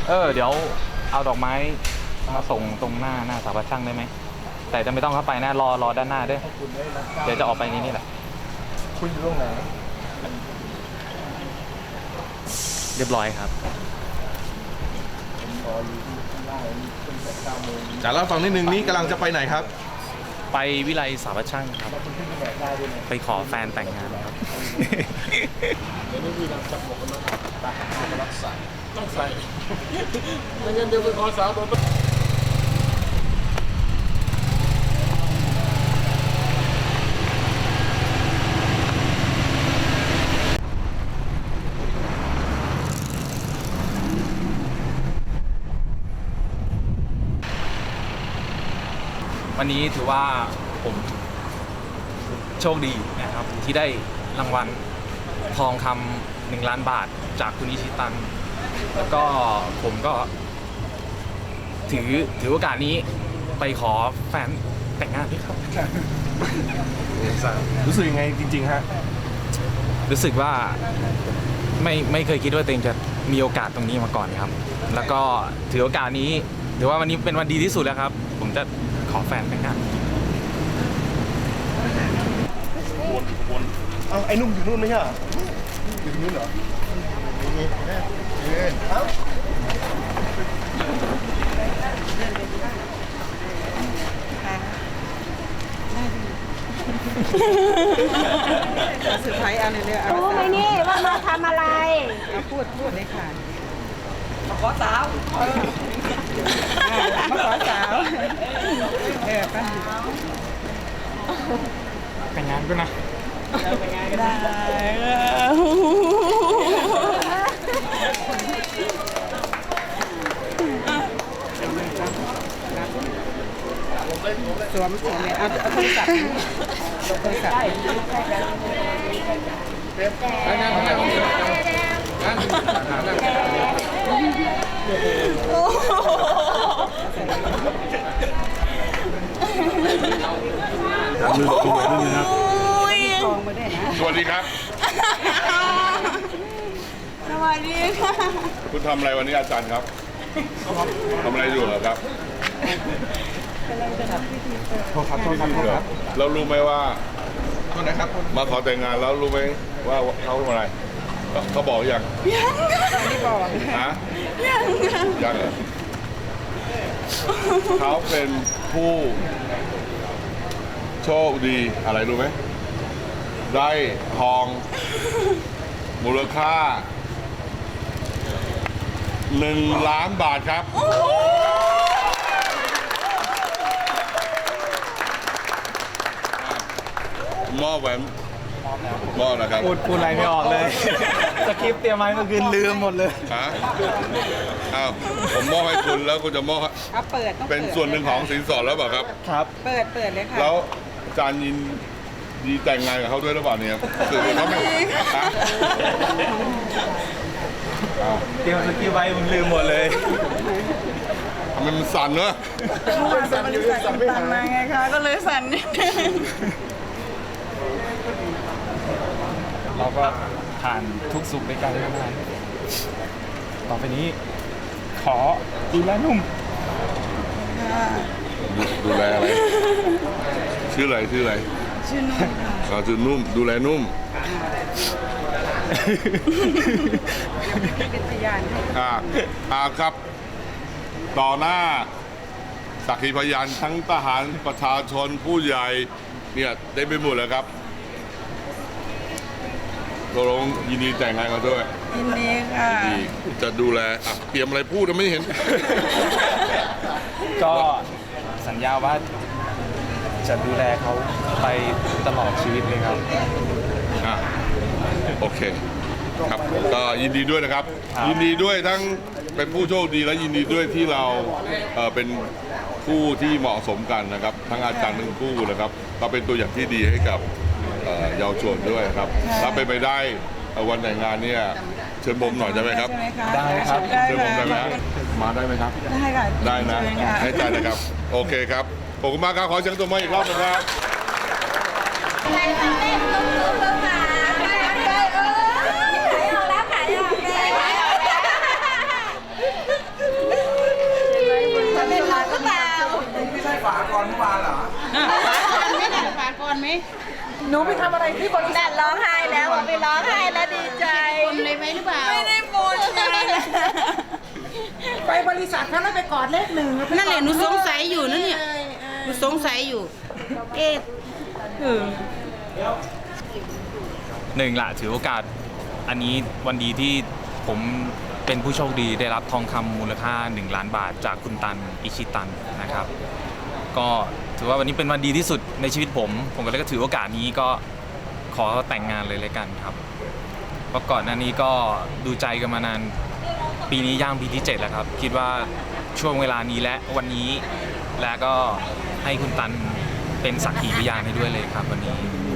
เดี๋ยวเอาดอกไม้มาส่งตรงหน้าสถาปัตย์ช่างได้ไหมแต่จะไม่ต้องเข้าไปนะรอด้านหน้าด้วยเดี๋ยวจะออกไปนี่แหละคุณอยู่ตรงไหนเรียบร้อยครับจากแล้วฟังนิดนึงนี่กำลังจะไปไหนครับไปวิไลสถาปัตย์ช่างครับไปขอแฟนแต่งงานครับเดี๋ยวนี้พี่เราจับหมวกกันน็อกตาหามารักษาต้องใส่ไม่งั้นเดี๋ยวไปขอสาวโดนวันนี้ถือว่าผมโชคดีนะครับที่ได้รางวัลทองคำ1 ล้านบาทจากคุณอิชิตันแล้วก็ผมก็ถือโอกาสนี้ไปขอแฟนแต่งงานด้วยครับรู้สึกยังไงจริงๆฮะรู้สึกว่าไม่เคยคิดว่าตัวเองจะมีโอกาสตรงนี้มาก่อนครับแล้วก็ถือโอกาสนี้ถือว่าวันนี้เป็นวันดีที่สุดแล้วครับผมจะขอแฟนแต่งงานวนเอาไอ้นุ่มอยู่นู่นไม่ใช่เหรออยู่นู่นเหรอนี่เอ้าสุดท้ายเอาเลยเอารู้ไหมนี่ว่ามาทำอะไรพูดเลยค่ะมาขอสาวมาขอสาวป้าแต่งงานก็นะได้สวมเลยเอาโทรศัพท์สวัสดีครับสวัสดีค่ะคุณทำอะไรวันนี้อาจารย์ครับทำอะไรอยู่เหรอครับโทษครับแล้วรู้ไหมว่าโทษนะครับมาขอแต่งงานแล้วรู้ไหมว่าเขาทำอะไรเขาบอกยังไม่บอกฮะยังเหรอเขาเป็นผู้โชคดีอะไรรู้ไหมได้ทองมูลค่า1 ล้านบาทครับมอบแหวนมอบนะครับพูดอะไรไม่ออกเลยสคริปต์เตรียมไว้เมื่อคืนลืมหมดเลยฮะอ้าวผมมอบให้คุณแล้วคุณจะมอบเป็นส่วนหนึ่งของสินสอดแล้วเปล่าครับครับเปิดเลยค่ะแล้วอาจารย์ยินดีแต่งงานกับเขาด้วยหรือเปล่าเนี่ยคือเขาไม่ฮะเตรียมสคริปต์ไว้ผมลืมหมดเลยมันสั่นเนอะสั่นมาไงคะก็เลยสั่นนิดนึงเราก็ผ่านทุกสุขในการทำงานต่อไปนี้ขอดูแลนุ่มดูแลอะไรชื่ออะไรชื่อนุ่มค่ะชื่อนุ่มดูแลนุ่มเป็นพยานครับต่อหน้าสักขีพยานทั้งทหารประชาชนผู้ใหญ่เนี่ยได้ไปหมดแล้วครับตกลงยินดีแต่งงานกันด้วยยินดีค่ะจะดูแลเตรียมอะไรพูดไม่เห็นก็สัญญาว่าจะดูแลเขาไปตลอดชีวิตเลยครับโอเคครับก็ยินดีด้วยนะครับยินดีด้วยทั้งเป็นผู้โชคดีและยินดีด้วยที่เราเป็นคู่ที่เหมาะสมกันนะครับทั้งอาจารย์ทั้งคู่นะครับก็เป็นตัวอย่างที่ดีให้กับเยาวชนด้วยครับถ้าเป็นไปได้วันแต่งงานเนี่ยเชิญผมหน่อยได้ไหมครับได้ครับเชิญผมได้ไหมมาได้ไหมครับได้ค่ะได้นะให้ใจนะครับโอเคครับขอบคุณมากครับขอเสียงตัวมาอีกรอบนะครับหนูไปทำอะไรที่บริษันั่ทนร้องไห้แล้วบอกไปร้องไห้แล้วดีใจคนเลยไหมหรือเปล่าไม่ได้บนไงไปบริษัทเขาแล้วไปกอดเลขหนึ่งนั่นแหละหนูสงสัยอยู่นะเนี่ยหนูสงสัยอยู่ เอ๊ะหนึ่งละถือโอกาสอันนี้วันดีที่ผมเป็นผู้โชคดีได้รับทองคำมูลค่า1 ล้านบาทจากคุณตันอิชิตันนะครับ ก็ถือว่าวันนี้เป็นวันดีที่สุดในชีวิตผมก็เลยก็ถือโอกาสนี้ก็ขอแต่งงานเลยกันครับเพราะก่อนหน้านี้ก็ดูใจกันมานานปีนี้ย่างปีที่ 7 แล้วครับ คิดว่าช่วงเวลานี้และวันนี้และก็ให้คุณตันเป็นสักขีพยานให้ด้วยเลยครับวันนี้